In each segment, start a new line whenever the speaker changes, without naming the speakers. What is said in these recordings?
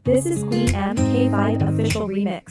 This is Queen MK5 official remix.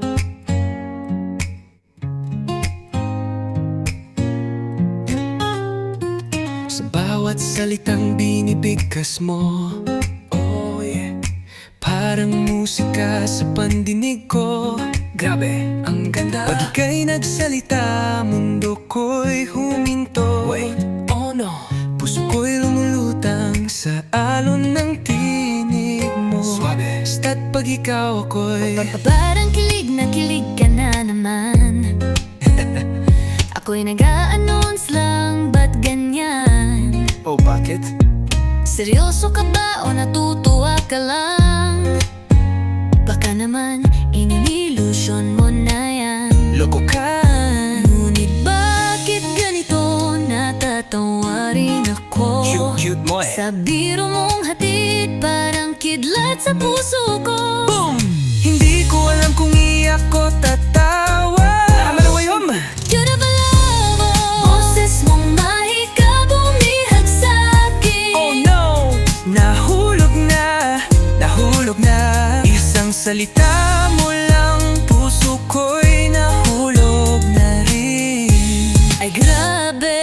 Sa bawat salitang binibigkas mo, oh yeah, parang musika sa pandinig ko. Grabe, ang ganda. Pag ika'y nagsalita, mundo ko'y huminto. Wait, oh no, puso ko'y lumulutang sa alon ng tinig mo. Suabe. Basta't pag ikaw ako'y
Parang kilig na kilig ka na naman. Ako'y nag-a-announce lang, ba't ganyan?
oh bakit?
Seryoso ka ba o natutuwa ka lang? Baka naman inilusyon mo na yan.
Loko ka.
Ngunit bakit ganito natatawa rin ako?
Cute mo eh.
Sa biro mong hatid, parang kidlat sa puso ko.
Boom! Hindi ko alam kung iyak ko tatawa. Amalawayom!
Yurabalabo, boses mong mahika bumihag sa'kin.
Oh no! Nahulog na isang salita mo lang, puso ko'y nahulog na rin.
Ay grabe,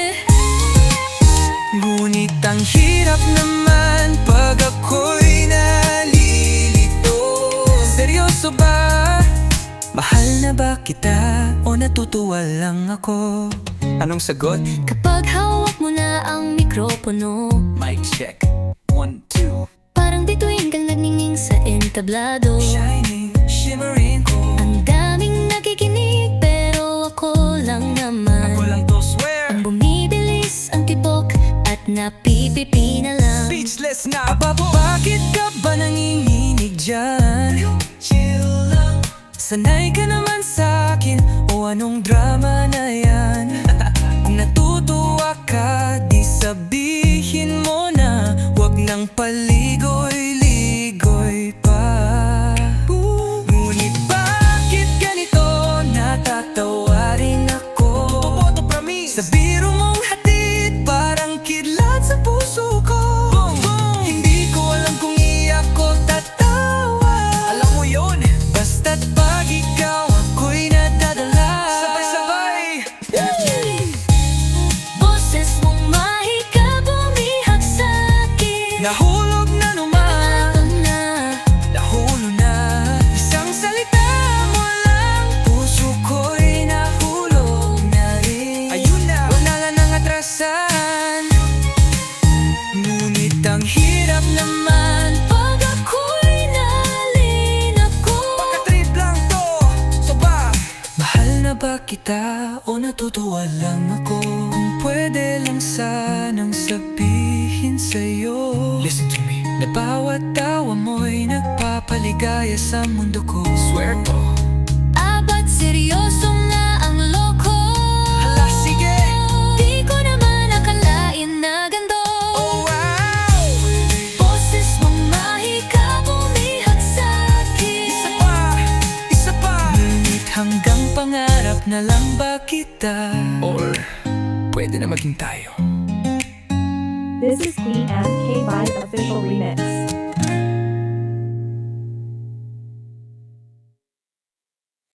Ngunit ang hirap naman pag ako'y nalilito. Seryoso ba? Mahal na ba kita o natutuwa lang ako? Anong sagot?
kapag hawak mo na ang mikropono,
Mic check. 1, 2.
parang bituin kang nagningning sa entablado.
Shining, shimmering ko.
Ang daming nakikinig pero ako lang naman.
Ako lang to, swear.
Ang bumibilis ang tibok at napipipi na lang.
Speechless na. Aba, bakit ka ba nanginginig dyan? Chill lang. Sanay ka naman sa'kin o anong drama na yan? Kung natutuwa ka, di sabihin mo na wag nang paligoy-ligoy pa. Ngunit bakit ganito natatawa rin ako? Sa biro mong hatid, parang kidlat sa puso ko. Hindi ko alam kung iyak ko tatawa. Alam mo yun, basta't pag ikaw ako'y nadadala. Sabay-sabay.
Boses mong mahika bumihag sa'kin.
Nahulog na naman,
Ito na,
nahulog na. Isang salita mo lang, puso ko'y nahulog na rin. Ayun na, wala na nang atrasan. Ngunit ang hirap naman
pag ako'y nalinako.
pagka-trip lang to. So ba? Mahal na ba kita o natutuwa lang ako? Kung pwede lang sanang sabihin sa'yo, listen to me, na bawat tawa mo'y nagpapaligaya sa mundo ko. Swear to.
Ba't seryoso nga ang loko?
Hala, sige.
Di ko naman akalain na ganito.
Oh wow!
Boses mong mahika bumihag sa'kin.
Isa pa. Ngunit hanggang pangarap na lang ba kita? Or pwede na maging tayo?
This is Queen MK5 official remix.